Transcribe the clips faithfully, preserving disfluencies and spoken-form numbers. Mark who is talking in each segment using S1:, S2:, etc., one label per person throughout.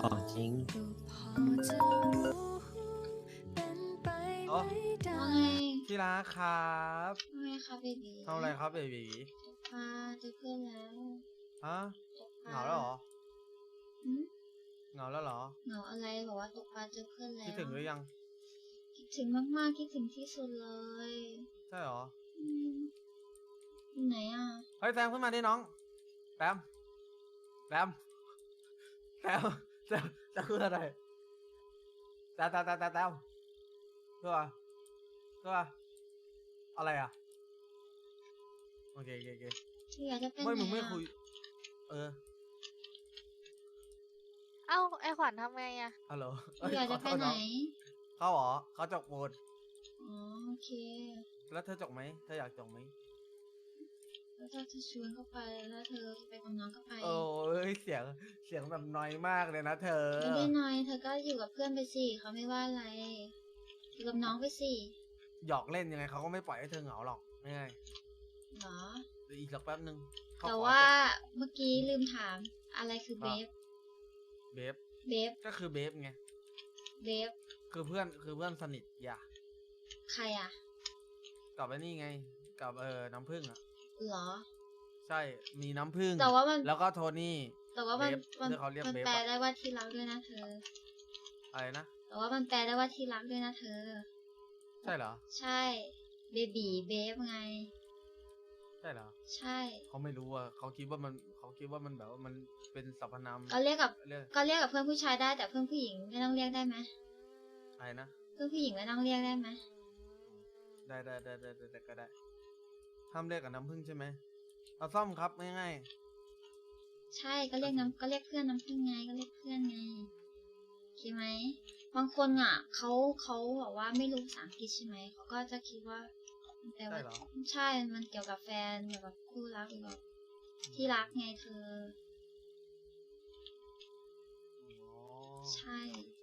S1: ของจริง
S2: โอ้
S3: ว่าไง
S2: ที่รักครับ
S3: ว่าไงคะเบบี
S2: ทำอะไรครับเบบี
S3: ตกปลาเจอเพื่อนแล้ว
S2: ฮะ
S3: ตกปลา
S2: เหงาแล้วเหรอ
S3: หืม
S2: เหงาแล้วเหรอ
S3: เหงาอะไรบอกว่าตกปลาเจอเพื่อนแล้ว
S2: คิดถึงหรือยัง
S3: คิดถึงมากๆคิดถึงที่สุดเลย
S2: ใช่เหรอ
S3: อืมอยู่ไหนอ่ะ
S2: เฮ้ยแซมขึ้นมาดิน้องแซมแซมแซมแซมแซมคืออะไรแซมแซมแซมแซมแซมเพื่อเพื่ออะไรอ่ะโอเคโอเคโอเค
S3: อยากจะเป็น
S2: ไม่
S3: ไหน
S2: มึงไม่
S3: อ่ะ
S2: คุย เออ
S4: เอ้าไอขวัญทำไงอะ
S2: ฮัลโหล
S3: อยากจะไปไหน
S2: เขาเหรอเขาจกปูน
S3: อ๋อโอเค
S2: แล้วเธอจกไหมเธออยากจกไหม
S3: แล้วถ้าจะชวนเข้าไปแล้วเธอจะไปกับน้องก็ไป
S2: โอ้ยเสียงเสียงแบบน้อยมากเลยนะเธอ
S3: ไม่ได้น้อยเธอก็อยู่กับเพื่อนไปสิเขาไม่ว่าอะไรอยู่กับน้องไปสิ
S2: หยอกเล่นยังไงเขาก็ไม่ปล่อยให้เธอเหงาหรอกง่าย
S3: เหรอ
S2: ๆเดี๋ยวอีกสักแป๊บนึงเข
S3: แต่
S2: ขอ
S3: ว่า
S2: จ
S3: เมื่อกี้ลืมถามอะไรคือเบฟ
S2: เบฟ
S3: เบฟ
S2: ก็คือเบฟไง
S3: เบฟ
S2: คือเพื่อนคือเพื่อนสนิทอย่า
S3: ใครอ่ะ
S2: กับไอ้นี่ไง กับเออน้ำผึ้งอ่ะ
S3: เหรอ
S2: ใช่มีน้ำผึ้ง
S3: แต่ว่ามัน
S2: แล้วก็โทนี่
S3: แต่ว่ามัน
S2: เบฟ
S3: มัน
S2: ที่เขาเรียก
S3: มัน
S2: เบฟ
S3: แปล
S2: อะ
S3: ได้ว่าที่รักด้วยนะเธอ
S2: อะไรนะ
S3: แต่ว่ามันแปลได้ว่าที่รักด้วยนะเธอ
S2: ใช่เหรอ
S3: ใช่ เบบีเบฟไง
S2: ใช่เหรอ
S3: ใช่
S2: เขาไม่รู้อ่ะเขาคิดว่ามันเขาคิดว่ามันแบบว่ามันเป็นสรรพนาม
S3: ก็เรียกกับ
S2: เรียก
S3: ก็เรียกกับเพื่อนผู้ชายได้แต่เพื่อนผู้หญิงไม่ต้องเรียกได้ไหม
S2: อะไรนะ
S3: เพื่อนผู้หญิงไม่ต้องเรียกได้ไหม
S2: ได้ได้ได้ได้ได้ได้ก็ได้ห้ามเรียกกับน้ำผึ้งใช่ไหมเอาซ่อมครับง่าย
S3: ใช่ก็เรียกน้ำก็เรียกเพื่อนน้ำพึ่งไงก็เรียกเพื่อนไงโอเคไหมบางคนอ่ะเขาเขาบอกว่าไม่รู้ภาษาอังกฤษใช่ไหมเขาก็จะคิดว่ามันแปล
S2: ๆ
S3: ว่า
S2: ใช่เหรอ
S3: ใช่ มันเกี่ยวกับแฟนเกี่ยวกับคู่รักหรือแบบที่รักไงเธอ
S2: อ๋อ
S3: ใช่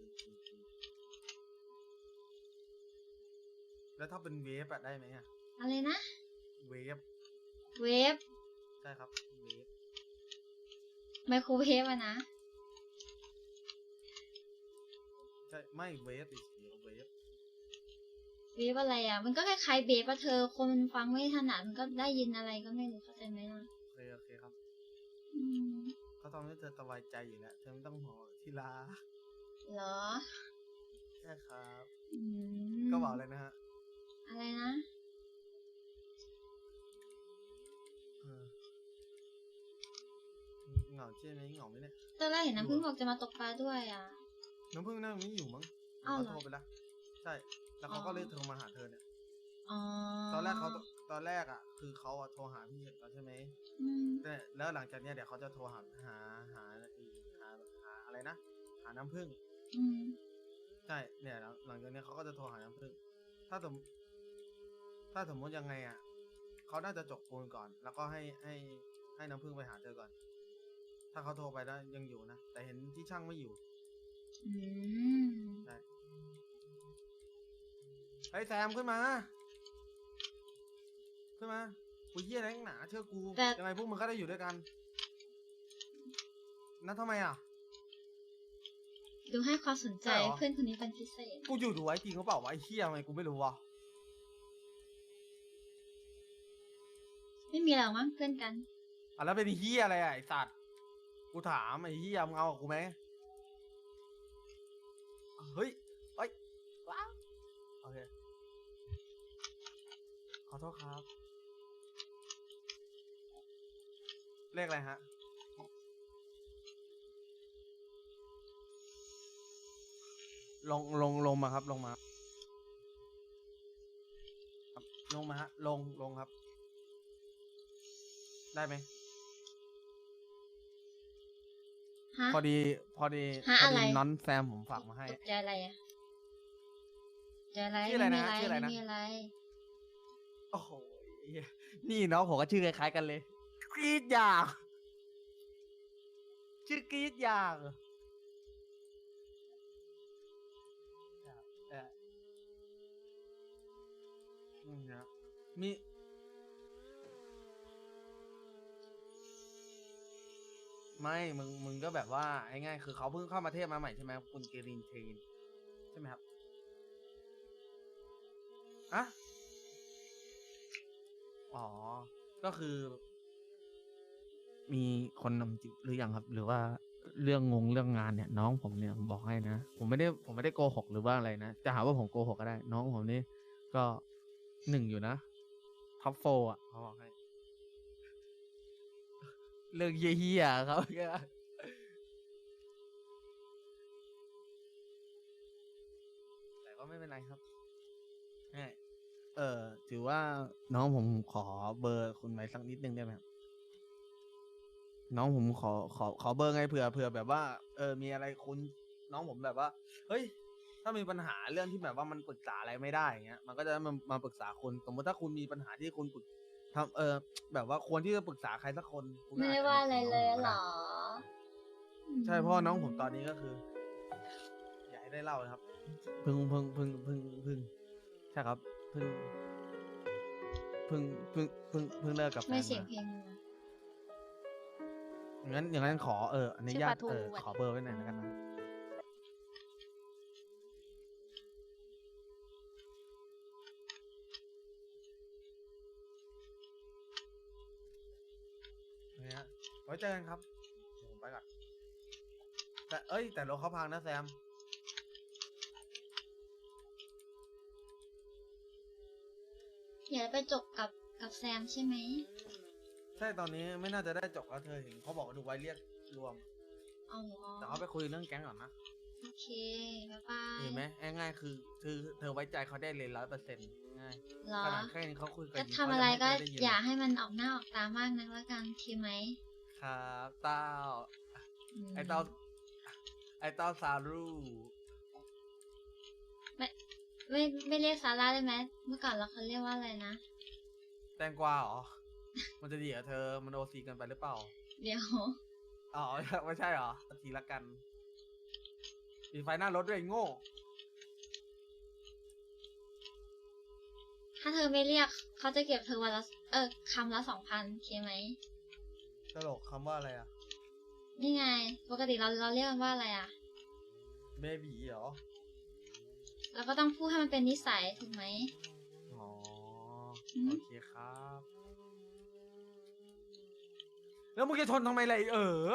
S2: แล้วถ้าเป็นเวฟอะได้ไหมอะ
S3: อะไรนะ
S2: เวฟ
S3: เวฟ
S2: ใช่ครับเวฟ
S3: ไมโครเวฟอะนะ
S2: ใช่ไม่เวฟอีกเดี๋ยวเวฟ
S3: เวฟอะไรอ่ะ มันก็คล้ายๆเบฟอะเธอ คนมันฟังไม่ถนัดมันก็ได้ยินอะไรก็ไม่รู้เข้าใจไหมล่ะ
S2: โอเคโอเคครับ
S3: อืม
S2: เขาทำให้เธอสบายใจอยู่แล้วเธอไม่ต้องห่วงที่ลา
S3: เหรอ
S2: ใช่ครับ
S3: อืม
S2: ก็บอกเลยนะฮะ
S3: อะไรนะ
S2: เออเหงาใช่ไหมเหงาไหมเนี่ย
S3: ตอนแรกเห็นน้ำพึ่งบอกจะมาตกปลาด้วยอ่ะ
S2: น้ำพึ่งนั่งไม่อยู่มั้ง
S3: อ้าวเหรอ
S2: เขาโทรไปแล้วใช่แล้วเขาก็เลยโทรมาหาเธอเนี่ย
S3: อ๋อ
S2: ตอนแรกเขาตอนแรกอ่ะ คือเขาอะโทรหาพี่แล้วใช่ไหม
S3: อืม
S2: แต่แล้วหลังจากเนี้ยเดี๋ยวเขาจะโทรหาหาหาอีกหาหาอะไรนะหาน้ำผึ้ง
S3: อืม
S2: ใช่เนี่ยหลังหลังจากเนี้ยเขาก็จะโทรหาน้ำผึ้งถ้าสมถ้าสมมติยังไงอ่ะเขาน่าจะจบปูนก่อน แล้วก็ให้ให้ให้น้ำผึ้งไปหาเธอก่อน ถ้าเขาโทรไปแล้วยังอยู่นะแต่เห็นที่ช่างไม่อยู่
S3: อืม
S2: ใช่ไอ้ยแซมขึ้นมา ขึ้นมากูเยี่ยอะไรนักหนาเชื่อกู
S3: แต่
S2: ยังไงพวกมึงก็ได้อยู่ด้วยกันนั่นทำไมอ่ะ
S3: ดูให้ความสนใจ
S2: ใช่เหรอ
S3: เพื่อนคนนี้เป็นพิเศษ
S2: กูอยู่ดูไว้จริงหรือเปล่าวะไอ้เหี้ยทำไมกูไม่รู้วะ
S3: ไม่มีอะไรหรอกมั้งเพื่อนกัน
S2: อ่ะแล้วเป็นไอ้เหี้ยอะไรอ่ะไอ้สัตว์กูถามไอ้เหี้ยมึงเอากับกูไหมเฮ้ยเอ้ยว้าวโอเคขอโทษครับเลขอะไรฮะลงลงลงมาครับลงมาครับลงมาฮะลงลงครับ ได้ไหม
S3: ฮะ
S2: พอดีพอดี
S3: ฮะ
S2: พอ
S3: อะไร
S2: ดีน้อนแซมผมฝากมาให้
S3: ตกใจอะไรอ่ะตกใจอะไร
S2: ชื่ออะไร
S3: ไม่
S2: นะ
S3: มีอะไร
S2: ชื่ออะไรนะ
S3: ไม่มีอะไร
S2: โอ้โหเหี้ยนี่เนาะผมก็ชื่อคล้ายๆกันเลยกรีดยางชื่อกรีดยางเอออืมนะมีไม่มึงมึงก็แบบว่าไอ้ง่ายคือเขาเพิ่งเข้ามาเทศมาใหม่ใช่ไหมคุณเกรินเทนใช่ไหมครับอะอ๋อก็คือ มีคนนำจิตหรือยังครับ หรือว่าเรื่องงงเรื่องงานเนี่ยน้องผมเนี่ยผมบอกให้นะผมไม่ได้ผมไม่ได้โกหกหรือว่าอะไรนะจะหาว่าผมโกหกก็ได้ น้องผมนี่ก็หนึ่งอยู่นะท็อปโฟอ่ะเขาบอกให้เรื่องเยี่ยๆครับแต่ก็ไม่เป็นไรครับแม่เออถือว่าน้องผมขอเบอร์คุณไว้สักนิดนึงได้ไหมครับน้องผมขอขอขอเบอร์ไงเผื่อเผื่อแบบว่าเออมีอะไรคุณน้องผมแบบว่าเฮ้ยถ้ามีปัญหาเรื่องที่แบบว่ามันปรึกษาอะไรไม่ได้อย่างเงี้ยมันก็จะมามาปรึกษาคุณสมมติถ้าคุณมีปัญหาที่คุณปรึกทำเออแบบว่าควรที่จะปรึกษาใครสักคนคุณก็
S3: ไม่ได้
S2: จจ
S3: ว่าอะไร
S2: นึก
S3: เล
S2: ถึ
S3: ย
S2: งน้องผมก็
S3: เหร
S2: ได้
S3: อ
S2: ใช่เพราะว่าน้องผมตอนนี้ก็คือ อยากให้ได้เล่าเลยครับเพิ่งเพิ่งเพิ่งเพิ่งเพิ่งใช่ครับเพิ่งเพิ่งเพิ่งเพิ่งเพิ่งเลิกกับแฟน
S3: ไม่เสียง
S2: มา
S3: เพลงเลยนะ
S2: อย่างนั้นอย่างนั้นขอเอออนุ
S4: ชื่อ
S2: ญา
S4: ป
S2: ต
S4: ลาทู
S2: เออ
S4: อะ
S2: ขอเบอร์ไว้หน่อยแล้วกันนะเนี่ยฮะไว้เจอกันครับเดี๋ยวผมไปก่อนแต่เอ้ยแต่รถเขาพังนะแซม
S3: เดี๋ยวไปจบกับกับแซมใช่ไหม
S2: ใช่ตอนนี้ไม่น่าจะได้จบแล้วเธอเห็นเขาบอกว่าดูไว้เรียกรวม
S3: อ๋อ
S2: แต่เขาไปคุยเรื่องแก๊งก่อนนะ
S3: โอเค บ๊ายบาย
S2: เห็นไหมง่ายๆคือคือเธอไว้ใจเขาได้เลยร้อยเปอร์เซ็นต์ง่าย
S3: เหรอ
S2: ขนาดแค่นี้เขาคุยกับ
S3: ก็
S2: หญิง
S3: ทำ
S2: เขา
S3: อะไร
S2: ยัง
S3: ก็
S2: ไม่เคยได้ยิน
S3: อย่า
S2: เลย
S3: ให้มันออกหน้าออกตามากนักแล้วกันโอเคไหม
S2: ครับเต้า
S3: ม
S2: ไอเต้าไอเต้าซารู
S3: ไม่ไม่เรียกซาร่าได้ไหมเมื่อก่อนเราเขาเรียกว่าอะไรนะ
S2: แตงกวาเหรอ มันจะดีเหรอเธอมันโอซีกันไปหรือเปล่า
S3: เดี๋ยว
S2: อ๋อ ไม่ใช่เหรอทีละกันมีไฟหน้ารถด้วยไอ้โง่
S3: ถ้าเธอไม่เรียกเขาจะเก็บเธอวันละเออคำละสองพันโอเคไหม
S2: ตลกคำว่าอะไรอ่ะ
S3: นี่ไง ปกติเราเราเรียกมันว่าอะไรอ่ะ
S2: เบบีเหรอ
S3: เราก็ต้องพูดให้มันเป็นนิสัยถูกไหม
S2: อ๋อ
S3: อืม
S2: โอเคครับ แล้วมึงจะทนทำไมล่ะไรเออ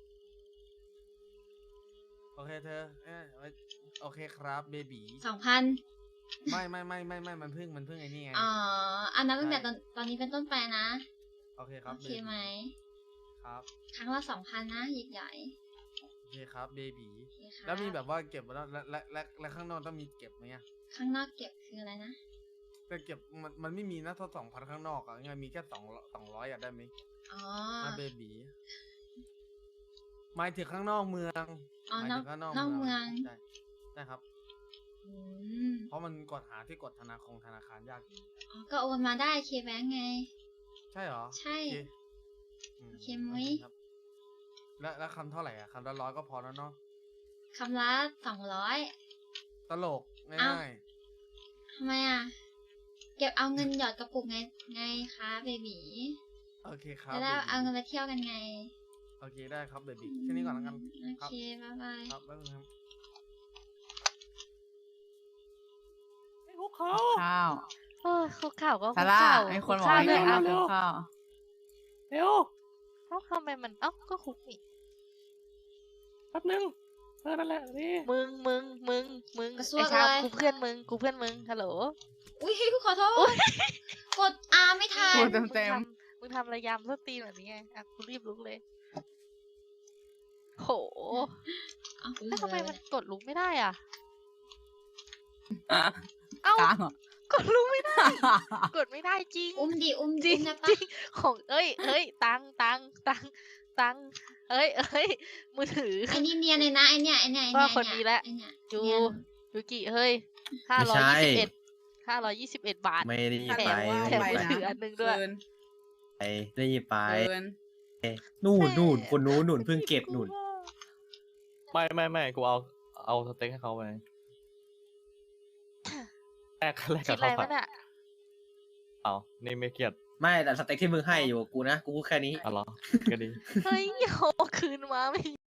S2: โอเคเธอเอ้ยไว้โอเคครับเบบี
S3: สองพัน
S2: ไม่ไม่ไม่ไม่ไม่มันเพิ่งมันเพิ่งไอ้นี่ไง
S3: อ๋อ อันนั้นตั้งแต่
S2: ใช่
S3: ตอนตอนนี้เป็นต้นไปนะ
S2: โอเคครับ
S3: โอเค
S2: baby
S3: ไหม
S2: ครับ
S3: ครั้งละสองพันนะใหญ่
S2: โอเคครับเบบี
S3: ๆโอเคค่ะ
S2: แล้วมีแบบว่าเก็บไว้แล้วและและและและข้างนอกต้องมีเก็บไหมอะ
S3: ข้างนอกเก็บคืออะไรนะ
S2: แต่เก็บมันมันไม่มีนะถ้าสองพันข้างนอกอะยังไงมีแค่สองสองร้อยอะได้ไหม
S3: อ๋อ
S2: มาเบบีหมายถึงข้างนอกเมือง
S3: อ๋อ
S2: หมาย
S3: นอ
S2: ถึ
S3: ก
S2: งข้างนอก
S3: นอกเมือง
S2: ใช่ใช่ครับ
S3: อืม
S2: เพราะมันกดหาที่กดธนาคารธนาคารยากจริง
S3: อ๋อก็โอนมาได้เคแบงไง
S2: ใช่เหรอ
S3: ใช่
S2: โอเคอื
S3: โอเคไหม
S2: โอเคครับแล้วแล้วคำเท่าไหร่อะคำละร้อยก็พอแล้วเนาะ
S3: คำละสองร้อย
S2: ตลก
S3: เอ้า
S2: ง่าย
S3: ทำไมอ่ะ เก็บเอาเงินหยอดกระปุกไงไงคะเบบี
S2: ๆโอเคครับ
S3: จะได้
S2: baby
S3: เอาเงินไปเที่ยวกันไง
S2: โอเคได้ครับเบบีแค่นี้ก่อนแล้วกัน
S3: โอ
S2: ครับ
S3: เค บ๊ายบาย
S2: ครับบ๊ายบายครับ
S1: ข้าว
S4: เออคุกเข่าก็คุ
S1: ซาก ร่า
S4: เข่า
S1: ไอ้คน
S4: คุก
S1: บอก
S4: เข่า
S1: ให้
S4: ด้วย
S1: กินข้า
S4: เอ้าว
S1: กินข้าว
S5: เร็ว
S4: เอ้าทำไมมันเอ้าก็คุกนี่
S5: แป๊บนึงเออนั่นแหละนี่
S4: มึงมึงมึงมึง
S3: กระซวก
S4: ไอ้ชาว
S3: เลย
S4: กูเพื่อนมึงกูเพื่อนมึงฮัลโหล
S3: อุ้ยขอโทษ กดอาไม่ทัน
S1: พูดเต็ม
S4: มึง
S1: เต็ม
S4: ทำมึงทำระยำสตรีนแบบนี้ไงอ่ะกูรีบลุกเลยโห
S3: เอา
S4: แล้วทำไมมันกดลุกไม่ได้อ่ะ
S1: อ่ะ
S4: เอ้าก
S1: ลางเหรอก
S4: ดลุกไม่ได้ กดไม่ได้จริง
S3: อุ้มดิอุ้ม
S4: จริ
S3: ดิ
S4: ง
S3: อุ้มได้
S4: จ
S3: ปะ
S4: ริงของเอ้ยเอ้ยตังตังตังตังเอ้ยเอ้ยมือถือ
S3: ไอ้นี่เนียนเลยนะไอเนี่ยไอเนี่ยไอเนี่ย
S4: ว่าคนดีแล้ว
S3: ไอเนี่ย
S4: ยู
S3: เนียน
S4: ยูกิเฮ้ยห้า
S6: ไม่
S4: ร้อย
S6: ใช่
S4: ยี่สิบเอ็ดห้าร้อยยี่สิบเอ็ดบาท
S6: ไม่ได้หยิบ
S4: แถ
S6: ไป
S4: มแถม
S1: ไป
S4: มือ
S1: นะ
S4: ถืออันหนึงด้วย
S1: เกิน
S6: ไปได้หยิบไป
S1: เกิน
S6: นู่นนู่นคนนู้นนู่นเพิ่งเก็บนู่น
S5: ไม่ไม่ไม่กูเอาเอาสเต็กให้เขาไปแลกแลก
S4: คิ
S5: กั
S4: ด
S5: บ
S4: อะไร
S5: ข้าวผั
S4: วะ
S5: ด
S4: เนี่ย
S5: เอานี่ไม่เกลียด
S6: ไม่แต่สเต็กที่มึงให้อยู่กับกูนะกูพูดแค่นี้
S5: อ๋อเหรอก็ดี
S4: เฮ้ยเอาคืนมาไม่